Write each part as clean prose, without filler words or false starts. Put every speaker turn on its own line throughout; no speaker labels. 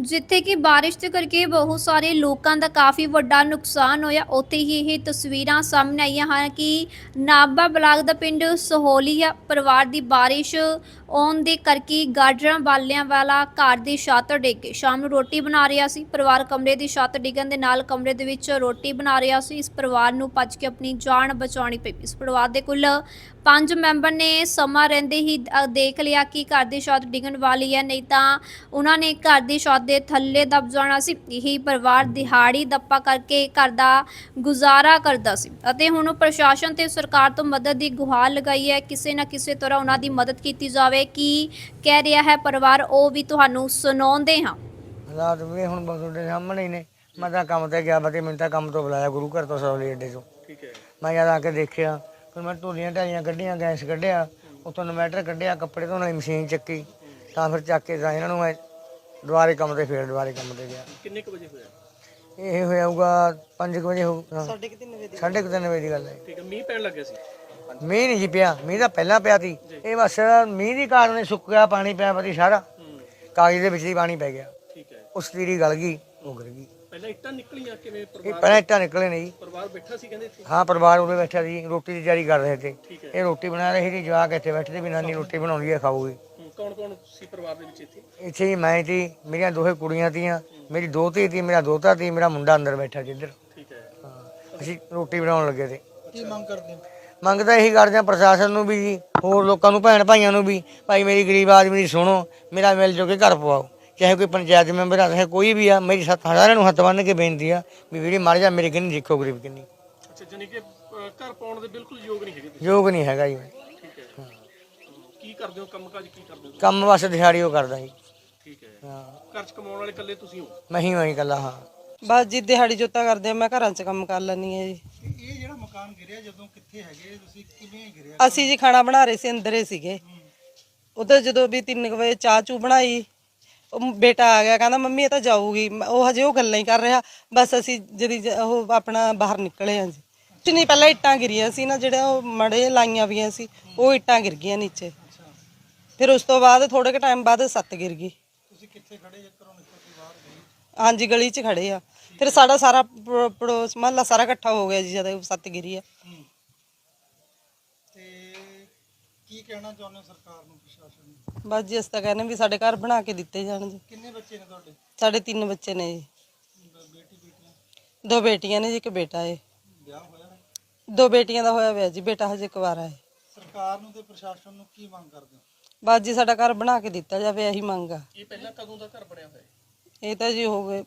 ਜਿੱਥੇ ਕਿ ਬਾਰਿਸ਼ ਦੇ ਕਰਕੇ ਬਹੁਤ ਸਾਰੇ ਲੋਕਾਂ ਦਾ ਕਾਫੀ ਵੱਡਾ ਨੁਕਸਾਨ ਹੋਇਆ, ਉੱਥੇ ਹੀ ਇਹ ਤਸਵੀਰਾਂ ਸਾਹਮਣੇ ਆਈਆਂ ਹਨ ਕਿ ਨਾਭਾ ਬਲਾਕ ਦਾ ਪਿੰਡ ਸਹੋਲੀਆ ਪਰਿਵਾਰ ਦੀ ਬਾਰਿਸ਼ ਆਉਣ ਦੇ ਕਰਕੇ ਗਾਜਰਾਂ ਬਾਲਿਆਂ ਵਾਲਾ ਘਰ ਦੀ ਛੱਤ ਡਿੱਗ ਗਈ। ਸ਼ਾਮ ਨੂੰ ਰੋਟੀ ਬਣਾ ਰਿਹਾ ਸੀ ਪਰਿਵਾਰ, ਕਮਰੇ ਦੀ ਛੱਤ ਡਿੱਗਣ ਦੇ ਨਾਲ ਕਮਰੇ ਦੇ ਵਿੱਚ ਰੋਟੀ ਬਣਾ ਰਿਹਾ ਸੀ। ਇਸ ਪਰਿਵਾਰ ਨੂੰ ਭੱਜ ਕੇ ਆਪਣੀ ਜਾਨ ਬਚਾਉਣੀ ਪਈ। ਇਸ ਪਰਿਵਾਰ ਦੇ ਕੁੱਲ 5 ਮੈਂਬਰ ਨੇ ਸਮਾਂ ਰਹਿੰਦੇ ਹੀ ਦੇਖ ਲਿਆ ਕਿ ਘਰ ਦੀ ਛੱਤ ਡਿੱਗਣ ਵਾਲੀ ਹੈ, ਨਹੀਂ ਤਾਂ ਉਹਨਾਂ ਨੇ ਘਰ ਦੀ ਛੱਤ ਦੇ ਥੱਲੇ ਦਬ ਜਾਣਾ ਸੀ। ਇਹੀ ਪਰਿਵਾਰ ਦਿਹਾੜੀ ਦੱਪਾ ਕਰਕੇ ਘਰ ਦਾ ਗੁਜ਼ਾਰਾ ਕਰਦਾ ਸੀ ਅਤੇ ਹੁਣ ਪ੍ਰਸ਼ਾਸਨ ਤੇ ਸਰਕਾਰ ਤੋਂ ਮਦਦ ਦੀ ਗੁਹਾਰ ਲਗਾਈ ਹੈ। ਕਿਸੇ ਨਾ ਕਿਸੇ ਤਰ੍ਹਾਂ ਉਹਨਾਂ ਦੀ ਮਦਦ ਕੀਤੀ ਜਾਵੇ। ਕੀ ਕਹਿ ਰਿਹਾ ਹੈ ਪਰਿਵਾਰ, ਉਹ ਵੀ ਤੁਹਾਨੂੰ ਸੁਣਾਉਂਦੇ ਹਾਂ।
ਹਾਲਾਤ ਵੀ ਹੁਣ ਤੁਹਾਡੇ ਸਾਹਮਣੇ ਹੀ ਨੇ। ਮੈਂ ਤਾਂ ਕੰਮ ਤੇ ਗਿਆ ਬਤੇ, ਮੈਨੂੰ ਤਾਂ ਕੰਮ ਤੋਂ ਬੁਲਾਇਆ ਗੁਰੂ ਘਰ ਤੋਂ ਸੌਲੀ ਅੱਡੇ ਤੋਂ।
ਠੀਕ ਹੈ।
ਮੈਂ ਜਦ ਆ ਕੇ ਦੇਖਿਆ, ਫਿਰ ਮੈਂ ਧੂਲੀਆਂ ਢਾਈਆਂ ਕੱਢੀਆਂ, ਗੈਸ ਕੱਢਿਆ, ਉੱਥੋਂ ਇਨਵੈਟਰ ਕੱਢਿਆ, ਕੱਪੜੇ ਧੋਣ ਵਾਲੀ ਮਸ਼ੀਨ ਚੱਕੀ, ਤਾਂ ਫਿਰ ਚੱਕ ਕੇ ਤਾਂ ਇਹਨਾਂ ਨੂੰ ਮੈਂ ਦੁਬਾਰੇ ਕੰਮ ਤੇ ਗਿਆ।
ਕਿੰਨੇ ਕੁ ਵਜੇ ਹੋਇਆ?
ਇਹ ਹੋਇਆਊਗਾ 5 ਵਜੇ ਹੋਊਗਾ, 3:30 ਵਜੇ ਦੀ ਗੱਲ ਹੈ।
ਠੀਕ ਹੈ। ਮੀਂਹ ਪੈਣ ਲੱਗਿਆ ਸੀ?
ਮੀਂਹ ਨਹੀਂ ਜੀ ਪਿਆ, ਮੀਂਹ ਤਾਂ ਪਹਿਲਾਂ ਪਿਆ ਸੀ। ਇਹ ਬਸ ਮੀਂਹ ਦੀ ਕਾਰਨ ਸੁੱਕ ਗਿਆ, ਪਾਣੀ ਪਿਆ ਪਤੀ ਸਾਰਾ ਕਾਗਜ਼ ਦੇ ਵਿੱਚ ਹੀ ਪਾਣੀ ਪੈ ਗਿਆ।
ਠੀਕ ਹੈ।
ਉਸ ਤੀਰੀ ਗਲ ਗਈ, ਉਹ ਗਿਰ ਗਈ।
ਪਹਿਲਾਂ ਇੱਟਾਂ ਨਿਕਲੀਆਂ ਕਿਵੇਂ?
ਇਹ ਪਹਿਲਾਂ ਇੱਟਾਂ ਨਿਕਲੇ ਨੇ ਜੀ।
ਪਰਿਵਾਰ ਬੈਠਾ ਸੀ ਕਹਿੰਦੇ ਇੱਥੇ?
ਹਾਂ, ਪਰਿਵਾਰ ਉਰੇ ਬੈਠਾ ਸੀ, ਰੋਟੀ ਦੀ ਤਿਆਰੀ ਕਰ ਰਹੇ ਥੇ।
ਠੀਕ ਹੈ।
ਇਹ ਰੋਟੀ ਬਣਾ ਰਹੇ ਸੀ, ਜਵਾਕ ਇੱਥੇ ਬੈਠੇ ਤੇ ਵੀ ਨਾਨੀ ਰੋਟੀ ਬਣਾਉਂਦੀ ਹੈ, ਖਾਊਗੀ।
ਕੌਣ ਕੌਣ ਸੀ ਪਰਿਵਾਰ ਦੇ ਵਿੱਚ ਇੱਥੇ?
ਇੱਥੇ ਹੀ ਮੈਂ ਸੀ, ਮੇਰੀਆਂ ਦੋਹੇ ਕੁੜੀਆਂ ਤੀਆਂ, ਮੇਰੀ ਦੋਹਤੀ ਸੀ, ਮੇਰਾ ਦੋਹਤਾ ਸੀ, ਮੇਰਾ ਮੁੰਡਾ ਅੰਦਰ ਬੈਠਾ ਜਿੱਧਰ।
ਠੀਕ ਹੈ।
ਹਾਂ, ਅਸੀਂ ਰੋਟੀ ਬਣਾਉਣ ਲੱਗੇ ਤੇ।
ਕੀ ਮੰਗ ਕਰਦੇ ਹੋ?
ਮੰਗ ਤਾਂ ਇਹੀ ਕਰਦੇ ਹਾਂ ਪ੍ਰਸ਼ਾਸਨ ਨੂੰ ਵੀ ਜੀ, ਹੋਰ ਲੋਕਾਂ ਨੂੰ, ਭੈਣ ਭਾਈਆਂ ਨੂੰ ਵੀ, ਭਾਈ ਮੇਰੀ ਗਰੀਬ ਆਦਮੀ ਦੀ ਸੁਣੋ, ਮੇਰਾ ਮਿਲ ਜੋ ਕੇ ਘਰ ਪਵਾਓ। ਚਾਹੇ ਕੋਈ ਪੰਚਾਇਤ ਮੈਂਬਰ ਆ, ਚਾਹੇ ਕੋਈ ਵੀ ਆ, ਮੇਰੀ ਸਾਰਿਆਂ ਨੂੰ ਹੱਥ ਬੰਨ੍ਹ ਕੇ ਬੇਨਤੀ ਆ ਵੀ ਵੀਰੇ ਮਰ ਜਾ, ਮੇਰੇ ਕਿੰਨੀ ਦੇਖੋ ਗਰੀਬ ਕਿੰਨੀ।
ਅੱਛਾ, ਜਾਨੀ ਕਿ ਘਰ ਪਾਉਣ ਦੇ ਬਿਲਕੁਲ ਯੋਗ ਨਹੀਂ ਹੈਗੇ ਤੁਸੀਂ?
ਯੋਗ ਨਹੀਂ ਹੈਗਾ ਜੀ।
ਠੀਕ ਹੈ। ਕੀ ਕਰਦੇ ਹੋ? ਕੰਮਕਾਜ ਕੀ ਕਰਦੇ ਹੋ?
ਕੰਮ ਬਸ ਦਿਹਾੜੀ ਉਹ ਕਰਦਾ ਜੀ।
ਠੀਕ ਹੈ।
ਹਾਂ,
ਘਰ 'ਚ ਕਮਾਉਣ ਵਾਲੇ ਇਕੱਲੇ ਤੁਸੀਂ ਹੋ?
ਮੈਂ ਹੀ ਇਕੱਲਾ। ਹਾਂ,
ਬਸ ਜੀ ਦਿਹਾੜੀ ਜੋਤਾ ਕਰਦੇ ਆ, ਮੈਂ ਘਰਾਂ 'ਚ ਕੰਮ ਕਰ ਲੈਂਦੀ ਆ ਜੀ।
ਇਹ ਜਿਹੜਾ ਮਕਾਨ ਗਿਰਿਆ, ਜਦੋਂ ਕਿੱਥੇ ਹੈਗੇ ਤੁਸੀਂ, ਕਿਵੇਂ ਗਿਰਿਆ?
ਅਸੀਂ ਜੀ ਖਾਣਾ ਬਣਾ ਰਹੇ ਸੀ, ਅੰਦਰੇ ਸੀਗੇ। ਉਧਰ ਜਦੋਂ ਵੀ 3 ਵਜੇ ਚਾਹ ਚੂ ਬਣਾਈ, ਉਹ ਬੇਟਾ ਆ ਗਿਆ, ਕਹਿੰਦਾ ਮੰਮੀ ਇਹ ਤਾਂ ਜਾਊਗੀ। ਉਹ ਹਜੇ ਉਹ ਗੱਲਾਂ ਹੀ ਕਰ ਰਿਹਾ, ਬਸ ਅਸੀਂ ਜਦੀ ਉਹ ਆਪਣਾ ਬਾਹਰ ਨਿਕਲੇ ਹਾਂ ਜੀ। ਕੁਛ ਨਹੀਂ, ਪਹਿਲਾਂ ਇੱਟਾਂ ਗਿਰੀਆਂ ਸੀ ਨਾ, ਜਿਹੜਾ ਉਹ ਮੜੇ ਲਾਈਆਂ ਵੀਆਂ ਸੀ, ਉਹ ਇੱਟਾਂ ਗਿਰ ਗਈਆਂ ਨੀਚੇ। ਫਿਰ ਉਸ ਤੋਂ ਬਾਅਦ ਥੋੜੇ ਕੁ ਟਾਈਮ ਬਾਅਦ ਛੱਤ ਗਿਰ ਗਈ।
ਤੁਸੀਂ ਕਿੱਥੇ ਖੜੇ ਜੇ? ਘਰੋਂ ਨਿਕਲ ਕੇ ਬਾਹਰ ਗਏ?
ਹਾਂਜੀ, ਗਲੀ 'ਚ ਖੜੇ ਆ। ਫਿਰ ਸਾਡਾ ਸਾਰਾ ਪੜੋਸ ਮਹੱਲਾ ਸਾਰਾ ਇਕੱਠਾ ਹੋ ਗਿਆ ਜੀ ਜਦੋਂ ਛੱਤ ਗਿਰੀ ਆ।
ਤੇ ਕੀ ਕਹਿਣਾ ਚਾਹੁੰਦੇ ਹੋ ਸਰਕਾਰ ਨੂੰ, ਪ੍ਰਸ਼ਾਸਨ ਨੂੰ?
ਬਸ ਜੀ ਅਸੀਂ ਤਾਂ ਕਹਿੰਦੇ ਵੀ ਸਾਡੇ ਘਰ ਬਣਾ ਕੇ ਦਿੱਤੇ ਜਾਣ ਜੀ।
ਕਿੰਨੇ ਬੱਚੇ ਨੇ ਤੁਹਾਡੇ?
ਸਾਡੇ 3 ਬੱਚੇ ਨੇ ਜੀ।
ਬੇਟੀ ਬੇਟੀਆਂ?
2 ਬੇਟੀਆਂ ਨੇ ਜੀ, ਇੱਕ ਬੇਟਾ ਹੈ।
ਵਿਆਹ ਹੋਇਆ ਹੈ?
2 ਬੇਟੀਆਂ ਦਾ ਹੋਇਆ ਹੋਇਆ ਜੀ, ਬੇਟਾ ਹਜੇ ਕੁਵਾਰਾ ਹੈ।
ਸਰਕਾਰ ਨੂੰ ਤੇ ਪ੍ਰਸ਼ਾਸਨ ਨੂੰ ਕੀ ਮੰਗ ਕਰਦੇ ਹੋ?
ਬਸ ਜੀ ਸਾਡਾ ਘਰ ਬਣਾ ਕੇ ਦਿੱਤਾ ਜਾਵੇ, ਇਹੀ ਮੰਗ ਆ।
ਇਹ ਪਹਿਲਾਂ ਕਦੋਂ ਦਾ ਘਰ ਬਣਿਆ ਹੋਇਆ ਹੈ?
ਇਹ ਤਾਂ ਜੀ ਹੋ ਗਏ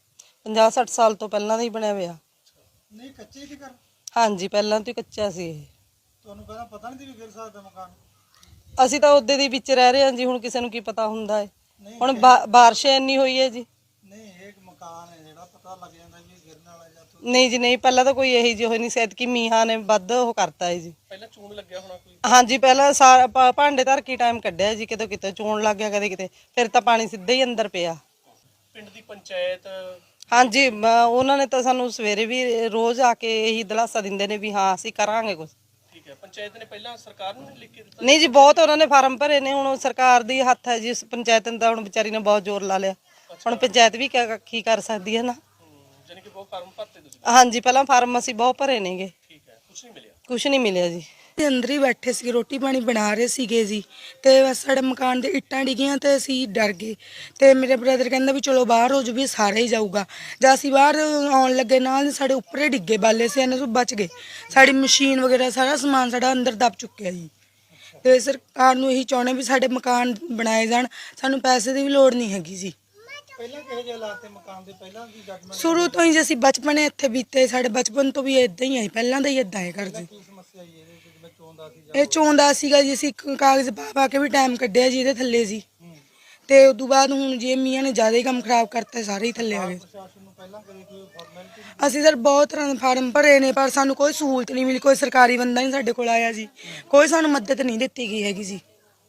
50-60 ਸਾਲ ਤੋਂ ਪਹਿਲਾਂ ਦਾ ਹੀ ਬਣਿਆ ਹੋਇਆ।
ਨਹੀਂ, ਕੱਚੇ ਸੀ ਘਰ?
ਹਾਂਜੀ, ਪਹਿਲਾਂ ਤੋਂ ਹੀ ਕੱਚਾ ਸੀ ਇਹ।
ਤੁਹਾਨੂੰ ਪਹਿਲਾਂ ਪਤਾ ਨਹੀਂ ਸੀ ਵੀ ਗਿਰ ਸਕਦਾ ਮਕਾਨ?
ਅਸੀਂ ਤਾਂ ਉਹਦੇ ਦੇ ਵਿੱਚ ਰਹਿ ਰਹੇ ਹਾਂ ਜੀ, ਹੁਣ ਕਿਸੇ ਨੂੰ ਕੀ ਪਤਾ ਹੁੰਦਾ ਹੈ।
ਨਹੀਂ,
ਹੁਣ ਬਾਰਿਸ਼ ਇੰਨੀ ਹੋਈ ਹੈ ਜੀ।
ਨਹੀਂ, ਇਹ ਮਕਾਨ ਹੈ ਜਿਹੜਾ ਪਤਾ ਲੱਗ ਜਾਂਦਾ ਵੀ ਇਹ ਗਿਰਨ ਵਾਲਾ ਜਾਂ
ਨਹੀਂ ਜੀ ਨਹੀਂ, ਪਹਿਲਾਂ ਤਾਂ ਕੋਈ ਇਹੀ ਜਿਹੀ ਹੋਈ ਨਹੀਂ, ਸ਼ਾਇਦ ਕਿ ਮੀਂਹਾਂ ਨੇ ਵੱਧ ਉਹ ਕਰਤਾ ਹੈ ਜੀ।
ਪਹਿਲਾਂ ਚੂਨ ਲੱਗਿਆ ਹੋਣਾ ਕੋਈ?
ਹਾਂਜੀ, ਪਹਿਲਾਂ ਸਾਰਾ ਭਾਂਡੇ ਧਰ ਕੇ ਟਾਈਮ ਕੱਢਿਆ ਜੀ, ਕਿਤੇ ਕਿਤੇ ਚੋਣ ਲੱਗ ਗਿਆ, ਕਦੇ ਕਿਤੇ, ਫਿਰ ਤਾਂ ਪਾਣੀ ਸਿੱਧਾ ਹੀ ਅੰਦਰ ਪਿਆ।
ਪਿੰਡ ਦੀ ਪੰਚਾਇਤ?
ਹਾਂਜੀ, ਉਹਨਾਂ ਨੇ ਤਾਂ ਸਾਨੂੰ ਸਵੇਰੇ ਵੀ ਰੋਜ਼ ਆ ਕੇ ਇਹੀ ਦਿਲਾਸਾ ਦਿੰਦੇ ਨੇ ਵੀ ਹਾਂ ਅਸੀਂ ਕਰਾਂਗੇ ਕੁਝ।
ਠੀਕ ਹੈ। ਪੰਚਾਇਤ ਨੇ ਪਹਿਲਾਂ ਸਰਕਾਰ ਨੂੰ ਲਿਖ ਕੇ ਦਿੱਤਾ?
ਨਹੀਂ ਜੀ, ਬਹੁਤ ਉਹਨਾਂ ਨੇ ਫਾਰਮ ਭਰੇ ਨੇ, ਹੁਣ ਸਰਕਾਰ ਦੀ ਹੱਥ ਹੈ ਜੀ। ਪੰਚਾਇਤ ਨੇ ਤਾਂ ਹੁਣ ਵਿਚਾਰੀ ਨੇ ਬਹੁਤ ਜ਼ੋਰ ਲਾ ਲਿਆ, ਹੁਣ ਪੰਚਾਇਤ ਵੀ ਕੀ ਕਰ ਸਕਦੀ ਹੈ ਨਾ।
ਜਾਨੀ ਕਿ ਬਹੁਤ ਫਾਰਮ ਭਰਤੇ ਤੁਸੀਂ?
ਹਾਂਜੀ, ਪਹਿਲਾਂ ਫਾਰਮ ਅਸੀਂ ਬਹੁਤ ਭਰੇ ਨੇਗੇ।
ਠੀਕ ਹੈ। ਕੁਝ ਨਹੀਂ ਮਿਲਿਆ?
ਕੁਝ ਨਹੀਂ ਮਿਲਿਆ ਜੀ।
ਤੇ ਅੰਦਰ ਹੀ ਬੈਠੇ ਸੀ, ਰੋਟੀ ਪਾਣੀ ਬਣਾ ਰਹੇ ਸੀਗੇ ਜੀ, ਤੇ ਬਸ ਸਾਡੇ ਮਕਾਨ ਦੇ ਇੱਟਾਂ ਡਿੱਗੀਆਂ ਤੇ ਅਸੀਂ ਡਰ ਗਏ। ਤੇ ਮੇਰੇ ਬ੍ਰਦਰ ਕਹਿੰਦਾ ਵੀ ਚਲੋ ਬਾਹਰ ਹੋ ਜੋ, ਵੀ ਸਾਰੇ ਹੀ ਜਾਊਗਾ। ਜਦ ਅਸੀਂ ਬਾਹਰ ਆਉਣ ਲੱਗੇ, ਨਾਲ ਸਾਡੇ ਉੱਪਰੇ ਡਿੱਗੇ ਬਾਲੇ ਸੀ, ਇਹਨਾਂ ਤੋਂ ਬਚ ਗਏ। ਸਾਡੀ ਮਸ਼ੀਨ ਵਗੈਰਾ ਸਾਰਾ ਸਮਾਨ ਸਾਡਾ ਅੰਦਰ ਦਬ ਚੁੱਕਿਆ ਜੀ। ਤੇ ਸਰਕਾਰ ਨੂੰ ਇਹੀ ਚਾਹੁੰਦੇ ਵੀ ਸਾਡੇ ਮਕਾਨ ਬਣਾਏ ਜਾਣ, ਸਾਨੂੰ ਪੈਸੇ ਦੀ ਵੀ ਲੋੜ ਨਹੀਂ ਹੈਗੀ ਜੀ।
ਪਹਿਲਾਂ ਕਿਹੋ ਜਿਹੇ ਹਾਲਾਤ ਤੇ ਮਕਾਨ ਦੇ? ਪਹਿਲਾਂ ਕੀ ਜੱਜਮੈਂਟ?
ਸ਼ੁਰੂ ਤੋਂ ਹੀ ਜੇ ਅਸੀਂ ਬਚਪਨੇ ਇੱਥੇ ਬੀਤੇ, ਸਾਡੇ ਬਚਪਨ ਤੋਂ ਵੀ ਇਦਾਂ ਹੀ ਆਈ, ਪਹਿਲਾਂ ਦਾ ਹੀ ਇਦਾਂ ਹੈ ਘਰ ਜੀ।
ਕੀ ਸਮੱਸਿਆ ਆਈ ਇਹਦੇ ਵਿੱਚ? ਜਿਵੇਂ ਚੋਂਦਾ ਸੀ
ਇਹ ਚੋਂਦਾ ਸੀਗਾ ਜੀ, ਅਸੀਂ ਕਾਗਜ਼ ਪਾ ਕੇ ਵੀ ਟਾਈਮ ਕੱਢਿਆ ਜੀ ਇਹਦੇ ਥੱਲੇ ਜੀ। ਤੇ ਉਦੋਂ ਬਾਅਦ ਹੁਣ ਜੇ ਮੀਆਂ ਨੇ ਜ਼ਿਆਦਾ ਹੀ ਕੰਮ ਖਰਾਬ ਕਰਤਾ, ਸਾਰੇ ਹੀ ਥੱਲੇ ਆ ਗਏ।
ਪ੍ਰਸ਼ਾਸਨ ਨੂੰ ਪਹਿਲਾਂ ਕਦੇ ਕੋਈ ਫਾਰਮੈਲਿਟੀ?
ਅਸੀਂ ਸਰ ਬਹੁਤ ਤਰ੍ਹਾਂ ਦੇ ਫਾਰਮ ਭਰੇ ਨੇ, ਪਰ ਸਾਨੂੰ ਕੋਈ ਸਹੂਲਤ ਨਹੀਂ ਮਿਲੀ, ਕੋਈ ਸਰਕਾਰੀ ਬੰਦਾ ਨਹੀਂ ਸਾਡੇ ਕੋਲ ਆਇਆ ਜੀ, ਕੋਈ ਸਾਨੂੰ ਮਦਦ ਨਹੀਂ ਦਿੱਤੀ ਗਈ ਹੈਗੀ ਜੀ।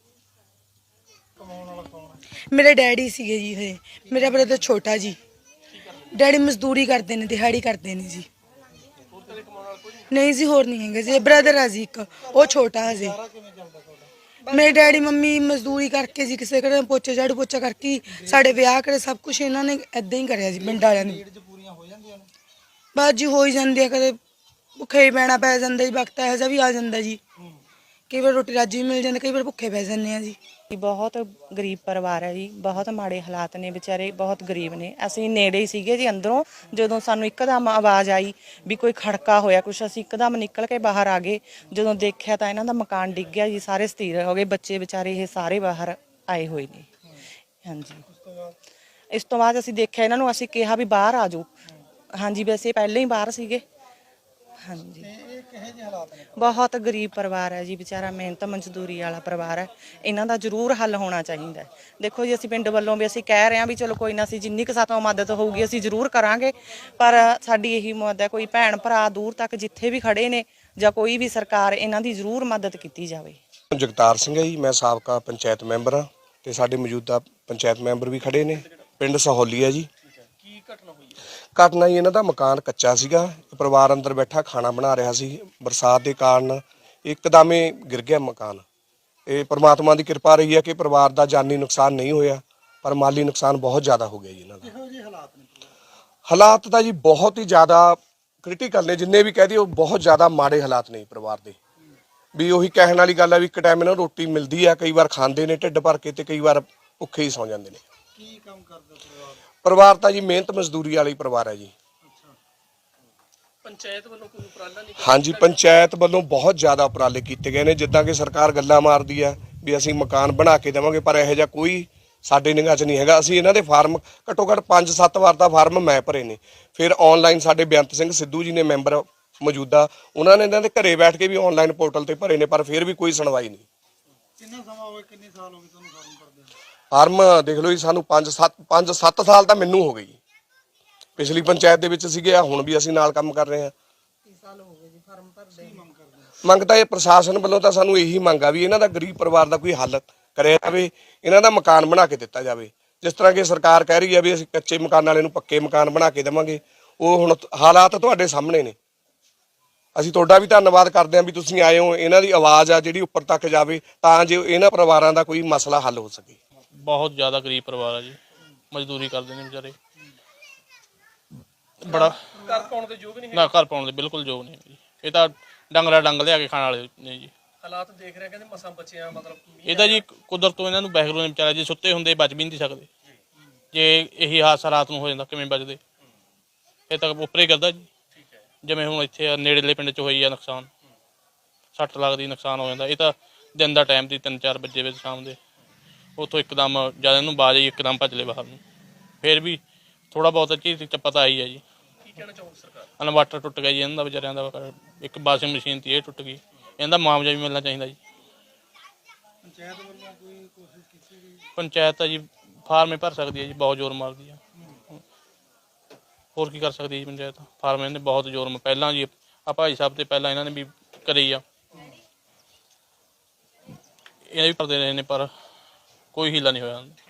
ਕਮਾਉਣ ਵਾਲਾ ਕੌਣ ਹੈ?
ਮੇਰੇ ਡੈਡੀ ਸੀਗੇ ਜੀ, ਇਹ ਮੇਰਾ ਬ੍ਰਦਰ ਛੋਟਾ ਜੀ। ਡੈਡੀ ਮਜ਼ਦੂਰੀ ਕਰਦੇ ਨੇ, ਦਿਹਾੜੀ ਕਰਦੇ ਨੇ ਜੀ।
ਹੋਰ ਕਦੇ ਕਮਾਉਣ ਵਾਲਾ ਕੋਈ ਨਹੀਂ?
ਨਹੀਂ ਜੀ, ਹੋਰ ਨਹੀਂ ਹੈਗਾ ਜੀ, ਬ੍ਰਦਰ ਆ ਜੀ ਇੱਕ, ਉਹ ਛੋਟਾ ਹਜੇ।
ਸਾਰਾ ਕਿਵੇਂ ਚੱਲਦਾ ਤੁਹਾਡਾ?
ਮੇਰੇ ਡੈਡੀ ਮੰਮੀ ਮਜ਼ਦੂਰੀ ਕਰਕੇ ਜੀ, ਕਿਸੇ ਘਰੇ ਪੋਚੇ ਝਾੜੂ ਪੋਚਾ ਕਰਕੇ ਹੀ ਸਾਡੇ ਵਿਆਹ ਕਰੇ, ਸਭ ਕੁਝ ਇਹਨਾਂ ਨੇ ਏਦਾਂ ਹੀ ਕਰਿਆ ਜੀ ਪਿੰਡ ਵਾਲਿਆਂ ਨੇ।
ਨੀਡ ਪੂਰੀਆਂ ਹੋ ਜਾਂਦੀਆਂ ਨੇ।
ਬਸ ਜੀ ਹੋ ਹੀ ਜਾਂਦੀ ਆ, ਕਦੇ ਭੁੱਖੇ ਹੀ ਪੈਣਾ ਪੈ ਜਾਂਦਾ ਜੀ, ਵਕਤ ਇਹੋ ਜਿਹਾ ਵੀ ਆ ਜਾਂਦਾ ਜੀ। ਕਈ ਵਾਰ ਰੋਟੀ ਰਾਜੀ ਵੀ ਮਿਲ ਜਾਂਦੀ, ਕਈ ਵਾਰ ਭੁੱਖੇ ਪੈ ਜਾਂਦੇ ਆ ਜੀ।
ਬਹੁਤ ਗਰੀਬ ਪਰਿਵਾਰ ਹੈ ਜੀ, ਬਹੁਤ ਮਾੜੇ ਹਾਲਾਤ ਨੇ, ਵਿਚਾਰੇ ਬਹੁਤ ਗਰੀਬ ਨੇ। ਅਸੀਂ ਨੇੜੇ ਹੀ ਸੀਗੇ ਜੀ ਅੰਦਰੋਂ, ਜਦੋਂ ਸਾਨੂੰ ਇੱਕਦਮ ਆਵਾਜ਼ ਆਈ ਵੀ ਕੋਈ ਖੜਕਾ ਹੋਇਆ ਕੁਛ, ਅਸੀਂ ਇੱਕਦਮ ਨਿਕਲ ਕੇ ਬਾਹਰ ਆ ਗਏ। ਜਦੋਂ ਦੇਖਿਆ ਤਾਂ ਇਹਨਾਂ ਦਾ ਮਕਾਨ ਡਿੱਗ ਗਿਆ ਜੀ, ਸਾਰੇ ਸਥਿਰ ਹੋ ਗਏ, ਬੱਚੇ ਵਿਚਾਰੇ ਇਹ ਸਾਰੇ ਬਾਹਰ ਆਏ ਹੋਏ ਨੇ। ਹਾਂਜੀ, ਇਸ ਤੋਂ ਬਾਅਦ ਅਸੀਂ ਦੇਖਿਆ ਇਹਨਾਂ ਨੂੰ, ਅਸੀਂ ਕਿਹਾ ਵੀ ਬਾਹਰ ਆ ਜਾਓ। ਹਾਂਜੀ, ਵੈਸੇ ਪਹਿਲਾਂ ਹੀ ਬਾਹਰ ਸੀਗੇ। ਹਾਂਜੀ,
ਇਹ ਕਿਹੋ ਜਿਹੇ ਹਾਲਾਤ ਨੇ?
ਬਹੁਤ ਗਰੀਬ ਪਰਿਵਾਰ ਹੈ ਜੀ, ਵਿਚਾਰਾ ਮਿਹਨਤ ਮਜ਼ਦੂਰੀ ਵਾਲਾ ਪਰਿਵਾਰ ਹੈ। ਇਹਨਾਂ ਦਾ ਜ਼ਰੂਰ ਹੱਲ ਹੋਣਾ ਚਾਹੀਦਾ ਹੈ। ਦੇਖੋ ਜੀ, ਅਸੀਂ ਪਿੰਡ ਵੱਲੋਂ ਵੀ ਅਸੀਂ ਕਹਿ ਰਹੇ ਹਾਂ ਵੀ ਚਲੋ ਕੋਈ ਨਾ, ਅਸੀਂ ਜਿੰਨੀ ਕੁ ਸਾਤੋਂ ਮਦਦ ਹੋਊਗੀ ਅਸੀਂ ਜ਼ਰੂਰ ਕਰਾਂਗੇ, ਪਰ ਸਾਡੀ ਇਹੀ ਮਦਦ ਹੈ, ਕੋਈ ਭੈਣ ਭਰਾ ਦੂਰ ਤੱਕ ਜਿੱਥੇ ਵੀ ਖੜੇ ਨੇ ਜਾਂ ਕੋਈ ਵੀ ਸਰਕਾਰ, ਇਹਨਾਂ ਦੀ ਜ਼ਰੂਰ ਮਦਦ ਕੀਤੀ ਜਾਵੇ।
ਜਗਤਾਰ ਸਿੰਘ ਹੈ ਜੀ, ਮੈਂ ਸਾਬਕਾ ਪੰਚਾਇਤ ਮੈਂਬਰ ਹਾਂ ਤੇ ਸਾਡੇ ਮੌਜੂਦਾ ਪੰਚਾਇਤ ਮੈਂਬਰ ਵੀ ਖੜੇ ਨੇ। ਪਿੰਡ ਸਹੌਲੀ ਹੈ ਜੀ।
ਕੀ ਘਟਨਾ ਹੋਈ ਹੈ?
ਘਟਨਾ ਜੀ, ਇਹਨਾਂ ਦਾ ਮਕਾਨ ਕੱਚਾ ਸੀਗਾ, ਪਰਿਵਾਰ ਅੰਦਰ ਬੈਠਾ ਖਾਣਾ ਬਣਾ ਰਿਹਾ ਸੀ। ਬਰਸਾਤ ਦੇ ਕਾਰਨ ਇੱਕਦਮ ਹੀ ਗਿਰ ਗਿਆ ਮਕਾਨ। ਇਹ ਪ੍ਰਮਾਤਮਾ ਦੀ ਕਿਰਪਾ ਰਹੀ ਹੈ ਕਿ ਪਰਿਵਾਰ ਦਾ ਜਾਨੀ ਨੁਕਸਾਨ ਨਹੀਂ ਹੋਇਆ, ਪਰ ਮਾਲੀ ਨੁਕਸਾਨ ਬਹੁਤ ਜ਼ਿਆਦਾ ਹੋ ਗਿਆ ਜੀ ਇਹਨਾਂ ਦਾ।
ਕਿਹੋ ਜਿਹੇ ਹਾਲਾਤ ਨੇ?
ਹਾਲਾਤ ਤਾਂ ਜੀ ਬਹੁਤ ਹੀ ਜ਼ਿਆਦਾ ਕ੍ਰਿਟੀਕਲ ਨੇ, ਜਿੰਨੇ ਵੀ ਕਹਿ ਦਈਏ ਉਹ ਬਹੁਤ ਜ਼ਿਆਦਾ ਮਾੜੇ ਹਾਲਾਤ ਨੇ ਪਰਿਵਾਰ ਦੇ। ਵੀ ਉਹੀ ਕਹਿਣ ਵਾਲੀ ਗੱਲ ਹੈ ਵੀ ਇੱਕ ਟਾਈਮ ਇਹਨਾਂ ਨੂੰ ਰੋਟੀ ਮਿਲਦੀ ਆ, ਕਈ ਵਾਰ ਖਾਂਦੇ ਨੇ ਢਿੱਡ ਭਰ ਕੇ ਤੇ ਕਈ ਵਾਰ ਭੁੱਖੇ ਹੀ ਸੌਂ ਜਾਂਦੇ ਨੇ।
ਕੀ ਕੰਮ ਕਰਦਾ ਪਰਿਵਾਰ?
ਪਰਿਵਾਰ ਤਾਂ ਜੀ ਮਿਹਨਤ ਮਜ਼ਦੂਰੀ ਵਾਲੀ ਪਰਿਵਾਰ ਹੈ ਜੀ।
ਪੰਚਾਇਤ ਵੱਲੋਂ ਕੋਈ ਉਪਰਾਲਾ ਨਹੀਂ?
ਹਾਂਜੀ, ਪੰਚਾਇਤ ਵੱਲੋਂ ਬਹੁਤ ਜ਼ਿਆਦਾ ਉਪਰਾਲੇ ਕੀਤੇ ਗਏ ਨੇ। ਜਿੱਦਾਂ ਕਿ ਸਰਕਾਰ ਗੱਲਾਂ ਮਾਰਦੀ ਆ ਵੀ ਅਸੀਂ ਮਕਾਨ ਬਣਾ ਕੇ ਦੇਵਾਂਗੇ, ਪਰ ਇਹੋ ਜਿਹਾ ਕੋਈ ਸਾਡੇ ਨਿਗਾਹ 'ਚ ਨਹੀਂ ਹੈਗਾ। ਅਸੀਂ ਇਹਨਾਂ ਦੇ ਫਾਰਮ ਘੱਟੋ ਘੱਟ 5-7 ਵਾਰ ਦਾ ਫਾਰਮ ਮੈਂ ਭਰੇ ਨੇ। ਫਿਰ ਆਨਲਾਈਨ ਸਾਡੇ ਬੇਅੰਤ ਸਿੰਘ ਸਿੱਧੂ ਜੀ ਨੇ ਮੈਂਬਰ ਮੌਜੂਦਾ, ਉਹਨਾਂ ਨੇ ਇਹਨਾਂ ਦੇ ਘਰੇ ਬੈਠ ਕੇ ਵੀ ਆਨਲਾਈਨ ਪੋਰਟਲ ਤੇ ਭਰੇ ਨੇ, ਪਰ ਫਿਰ ਵੀ ਕੋਈ ਸੁਣਵਾਈ ਨਹੀਂ।
ਕਿੰਨਾ ਸਮਾਂ ਹੋ ਗਿਆ, ਕਿੰਨੇ ਸਾਲ ਹੋ ਗਏ ਤੁਹਾਨੂੰ ਫਾਰਮ ਭਰਦੇ?
ਫਾਰਮ ਦੇਖ ਲਓ ਜੀ, ਸਾਨੂੰ 5-7 ਸਾਲ ਤਾਂ ਮੈਨੂੰ ਹੋ ਗਈ। ਪਿਛਲੀ ਪੰਚਾਇਤ ਦੇ ਵਿੱਚ ਸੀਗੇ, ਹੁਣ ਵੀ ਅਸੀਂ ਨਾਲ ਕੰਮ ਕਰ ਰਹੇ ਹਾਂ। ਮੰਗ ਤਾਂ ਇਹ ਪ੍ਰਸ਼ਾਸਨ ਵੱਲੋਂ ਤਾਂ ਸਾਨੂੰ ਇਹੀ ਮੰਗ ਆ ਵੀ ਇਹਨਾਂ ਦਾ ਗਰੀਬ ਪਰਿਵਾਰ ਦਾ ਕੋਈ ਹੱਲ ਕਰਿਆ ਜਾਵੇ, ਇਹਨਾਂ ਦਾ ਮਕਾਨ ਬਣਾ ਕੇ ਦਿੱਤਾ ਜਾਵੇ। ਜਿਸ ਤਰ੍ਹਾਂ ਕਿ ਸਰਕਾਰ ਕਹਿ ਰਹੀ ਹੈ ਵੀ ਅਸੀਂ ਕੱਚੇ ਮਕਾਨ ਵਾਲੇ ਨੂੰ ਪੱਕੇ ਮਕਾਨ ਬਣਾ ਕੇ ਦੇਵਾਂਗੇ, ਉਹ ਹੁਣ ਹਾਲਾਤ ਤੁਹਾਡੇ ਸਾਹਮਣੇ ਨੇ। ਅਸੀਂ ਤੁਹਾਡਾ ਵੀ ਧੰਨਵਾਦ ਕਰਦੇ ਹਾਂ ਵੀ ਤੁਸੀਂ ਆਏ ਹੋ, ਇਹਨਾਂ ਦੀ ਆਵਾਜ਼ ਆ ਜਿਹੜੀ ਉੱਪਰ ਤੱਕ ਜਾਵੇ ਤਾਂ ਜੋ ਇਹਨਾਂ ਪਰਿਵਾਰਾਂ ਦਾ ਕੋਈ ਮਸਲਾ ਹੱਲ ਹੋ ਸਕੇ।
ਬਹੁਤ ਜ਼ਿਆਦਾ ਗਰੀਬ ਪਰਿਵਾਰ ਆ ਜੀ, ਮਜ਼ਦੂਰੀ ਕਰਦੇ ਨੇ ਵਿਚਾਰੇ। ਬੜਾ
ਘਰ ਪਾਉਣ ਦੇ ਯੋਗ ਨਹੀਂ?
ਨਾ, ਘਰ ਪਾਉਣ ਦੇ ਬਿਲਕੁਲ ਯੋਗ ਨਹੀਂ ਜੀ। ਇਹ ਤਾਂ ਡੰਗਰਾ ਡੰਗ ਲਿਆ ਕੇ ਖਾਣ ਵਾਲੇ ਨੇ ਜੀ।
ਹਾਲਾਤ ਦੇਖ ਰਿਹਾ, ਕਹਿੰਦੇ ਮਸਾਂ ਬਚਿਆ, ਮਤਲਬ
ਇਹ ਤਾਂ ਜੀ ਕੁਦਰਤ ਤੋਂ ਇਹਨਾਂ ਨੂੰ ਵਾਹਿਗੁਰੂ ਨੇ ਵਿਚਾਰਾ, ਜੇ ਸੁੱਤੇ ਹੁੰਦੇ ਬਚ ਵੀ ਨਹੀਂ ਸਕਦੇ। ਜੇ ਇਹੀ ਹਾਦਸਾ ਰਾਤ ਨੂੰ ਹੋ ਜਾਂਦਾ ਕਿਵੇਂ ਬਚਦੇ? ਇਹ ਤਾਂ ਉੱਪਰੇ ਕਰਦਾ ਜੀ। ਜਿਵੇਂ ਹੁਣ ਇੱਥੇ ਨੇੜੇਲੇ ਪਿੰਡ 'ਚ ਹੋਈ ਆ ਨੁਕਸਾਨ, 60 ਲੱਖ ਦੀ ਨੁਕਸਾਨ ਹੋ ਜਾਂਦਾ। ਇਹ ਤਾਂ ਦਿਨ ਦਾ ਟਾਈਮ ਸੀ, 3-4 ਵਜੇ ਵਿੱਚ ਸ਼ਾਮ ਦੇ। ਉੱਥੋਂ ਇੱਕਦਮ ਜਦ ਇਹਨੂੰ ਬਾਜ ਆਈ, ਇੱਕਦਮ ਭੱਜ ਲਏ ਬਾਹਰ ਨੂੰ। ਫਿਰ ਵੀ ਥੋੜਾ ਬਹੁਤ ਚੀਜ਼ ਪਤਾ ਆਈ ਹੈ ਜੀ।
ਕੀ ਕਹਿਣਾ ਚਾਹੋਗੇ ਸਰਕਾਰ?
ਇਨਵਰਟਰ ਟੁੱਟ ਗਿਆ ਜੀ ਇਹਨਾਂ ਦਾ ਵਿਚਾਰਿਆਂ ਦਾ, ਇੱਕ ਵਾਸ਼ਿੰਗ ਮਸ਼ੀਨ ਤੀ ਇਹ ਟੁੱਟ ਗਈ। ਇਹਦਾ ਮੁਆਵਜ਼ਾ ਵੀ ਮਿਲਣਾ ਚਾਹੀਦਾ ਜੀ।
ਪੰਚਾਇਤ ਵੱਲੋਂ ਕੋਈ ਕੋਸ਼ਿਸ਼ ਕੀਤੀ ਗਈ?
ਪੰਚਾਇਤ ਤਾਂ ਜੀ ਫਾਰਮ ਹੀ ਭਰ ਸਕਦੀ ਹੈ ਜੀ, ਬਹੁਤ ਜ਼ੋਰ ਮਾਰਦੀ ਆ। ਹੋਰ ਕੀ ਕਰ ਸਕਦੀ ਹੈ ਜੀ ਪੰਚਾਇਤ? ਫਾਰਮ ਇਹਨੇ ਬਹੁਤ ਜ਼ੋਰ ਪਹਿਲਾਂ ਜੀ ਆ ਭਾਈ ਸਾਹਿਬ ਤੇ ਪਹਿਲਾਂ ਇਹਨਾਂ ਨੇ ਵੀ ਕਰੀ ਆ, ਇਹ ਵੀ ਭਰਦੇ ਰਹੇ ਨੇ, ਪਰ ਕੋਈ ਹੀਲਾ ਨਹੀਂ ਹੋਇਆ।